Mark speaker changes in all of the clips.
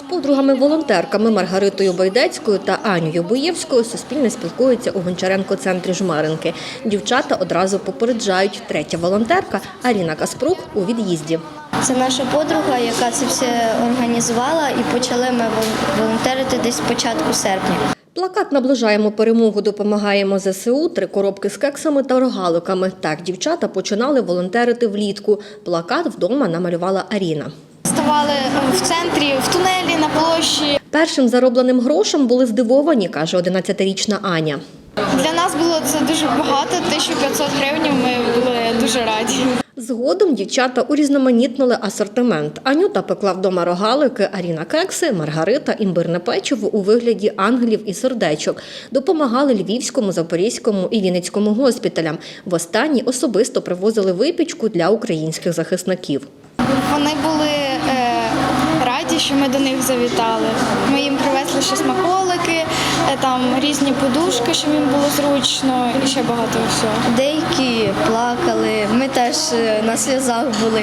Speaker 1: Подругами-волонтерками Маргаритою Байдецькою та Анією Боєвською Суспільне спілкується у Гончаренко-центрі Жмеринки. Дівчата одразу попереджають. Третя волонтерка Аріна Каспрук у від'їзді.
Speaker 2: Це наша подруга, яка це все організувала, і почали ми волонтерити десь з початку серпня.
Speaker 1: Плакат «Наближаємо перемогу, допомагаємо ЗСУ», 3 коробки з кексами та рогаликами. Так дівчата починали волонтерити влітку. Плакат вдома намалювала Аріна.
Speaker 3: Ставали в центрі, в тунелі, на площі.
Speaker 1: Першим заробленим грошем були здивовані, каже 11-річна Аня.
Speaker 3: Для нас було це дуже багато, 1500 гривень, ми були дуже раді.
Speaker 1: Згодом дівчата урізноманітнили асортимент. Анюта пекла вдома рогалики, Аріна – кекси, Маргарита – імбирне печиво у вигляді ангелів і сердечок. Допомагали Львівському, Запорізькому і Вінницькому госпіталям. Востаннє особисто привозили випічку для українських захисників.
Speaker 3: Вони були раді, що ми до них завітали. Ми їм привезли ще смаколики, там різні подушки, щоб їм було зручно і ще багато всього.
Speaker 2: Деякі плакали, ми теж на сльозах були,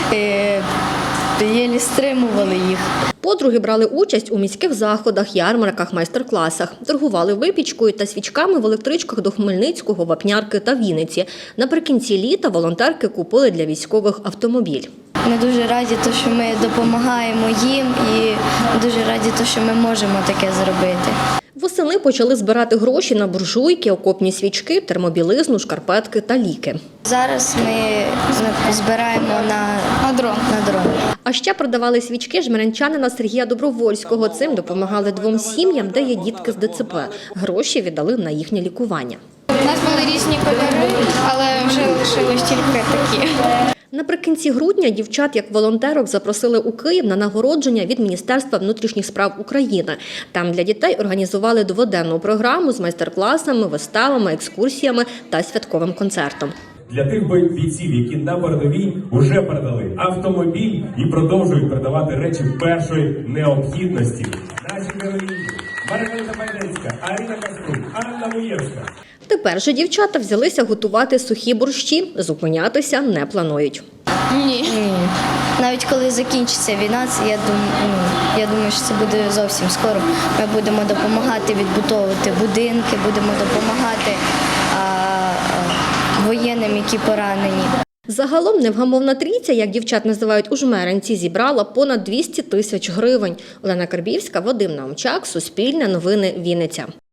Speaker 2: єлі стримували їх.
Speaker 1: Подруги брали участь у міських заходах, ярмарках, майстер-класах. Торгували випічкою та свічками в електричках до Хмельницького, Вапнярки та Вінниці. Наприкінці літа волонтерки купили для військових автомобіль.
Speaker 2: Ми дуже раді, що ми допомагаємо їм, і дуже раді, що ми можемо таке зробити.
Speaker 1: Восени почали збирати гроші на буржуйки, окопні свічки, термобілизну, шкарпетки та ліки.
Speaker 2: Зараз ми збираємо на дрон.
Speaker 1: А ще продавали свічки жмеринчанина Сергія Добровольського. Цим допомагали 2 сім'ям, де є дітки з ДЦП. Гроші віддали на їхнє лікування.
Speaker 3: У нас були різні кольори, але вже лишились тільки такі.
Speaker 1: Наприкінці грудня дівчат як волонтерок запросили у Київ на нагородження від Міністерства внутрішніх справ України. Там для дітей організували 2-денну програму з майстер-класами, виставами, екскурсіями та святковим концертом.
Speaker 4: Для тих бійців, які на передовій вже передали автомобіль і продовжують передавати речі першої необхідності. Наші героїні Маргарита Байдецька, Аріна Каспрук, Анна Боєвська.
Speaker 1: Тепер же дівчата взялися готувати сухі борщі, зупинятися не планують.
Speaker 3: Ні.
Speaker 2: Навіть коли закінчиться війна, я думаю, що це буде зовсім скоро. Ми будемо допомагати відбудовувати будинки, будемо допомагати воєнним, які поранені.
Speaker 1: Загалом невгамовна трійця, як дівчат називають у Жмеринці, зібрала понад 200 000 гривень. Олена Карбівська, Вадим Наумчак, Суспільне новини, Вінниця.